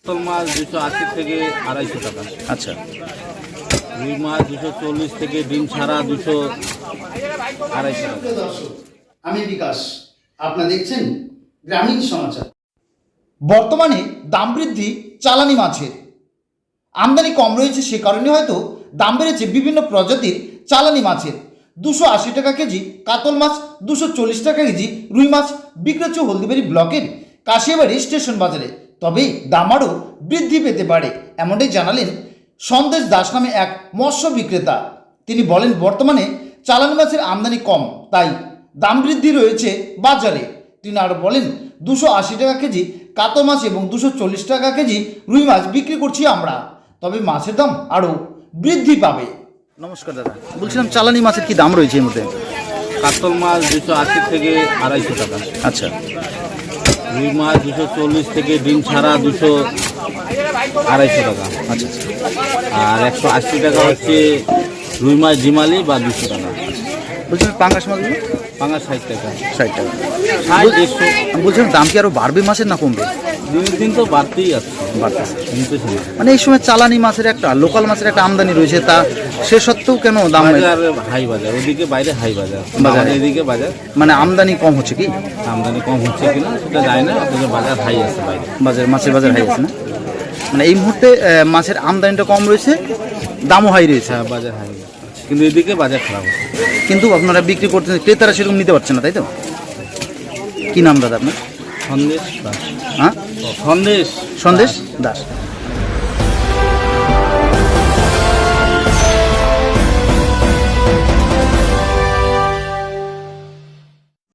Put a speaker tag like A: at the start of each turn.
A: কাতল মাছ 280 থেকে 250 টাকা।
B: আচ্ছা,
A: রুই মাছ 240 থেকে ডিম ছাড়া 200 250 টাকা।
C: দর্শক, আমি বিকাশ, আপনারা দেখছেন গ্রামীণ সমাচার।
D: বর্তমানে দাম বৃদ্ধি চালানি মাছের আমদানি কম রয়েছে, সে কারণে হয়তো দাম বেড়েছে বিভিন্ন প্রজাতির চালানি মাছের। 280 টাকা কেজি কাতল মাছ, 240 টাকা কেজি রুই মাছ বিক্রি হচ্ছে হলদিবাড়ি ব্লকের কাশিয়াবাড়ি স্টেশন বাজারে। তবে দাম আরও বৃদ্ধি পেতে পারে, এমনটাই জানালেন সন্দেশ দাস নামে এক মৎস্য বিক্রেতা। তিনি বলেন, বর্তমানে চালানি মাছের আমদানি কম, তাই দাম বৃদ্ধি রয়েছে বাজারে। তিনি আরও বলেন, 280 টাকা কেজি কাতল মাছ এবং 240 টাকা কেজি রুই মাছ বিক্রি করছি আমরা, তবে মাছের দাম আরও বৃদ্ধি পাবে।
B: নমস্কার দাদা, বলছিলাম চালানি মাছের কি দাম রয়েছে এই মধ্যে?
A: কাতল মাছ 280 থেকে 250 টাকা।
B: আচ্ছা,
A: রুই মাছ 240 থেকে ডিম ছাড়া 200 250 টাকা।
B: আচ্ছা,
A: আর 180 টাকা হচ্ছে রুই মাছ ডিমালি বা 200 টাকা।
B: বলছিলাম পাঙ্গাস মাছগুলো?
A: পাঙাশ 60 টাকা।
B: 60 টাকা।
A: 150।
B: আমি বলছিলাম দাম কি আরও বাড়বে মাছের না কমবে?
A: দিনের দিন তো বাড়তেই আছে,
B: বাড়তেছে।
A: কমতেছে না।
B: মানে এই সময় চালানি মাছের একটা, লোকাল মাছের একটা আমদানি রয়েছে, তা সে সত্ত্বেও কেন দাম
A: বাজার হাই বাজার, ওদিকে বাইরে হাই বাজার,
B: বাজার।
A: এদিকে বাজার
B: মানে আমদানি কম হচ্ছে কি?
A: আমদানি কম হচ্ছে কিনা সেটা যায় না, অথচ বাজার হাই আছে বাইরে।
B: মাছের বাজার হাই আছে না? মানে এই মুহূর্তে মাছের আমদানিটা কম রয়েছে, দামও হাই রয়েছে,
A: হ্যাঁ, বাজার হাই আছে, কিন্তু এদিকে বাজার খারাপ হচ্ছে।
B: কিন্তু আপনারা বিক্রি করতে, ক্রেতারা সেরকম নিতে পারছে না, তাই তো? কি নাম দাদা আপনার?
A: সন্দেশ দাস।
B: হ্যাঁ,
A: সন্দেশ
B: সন্দেশ দাস।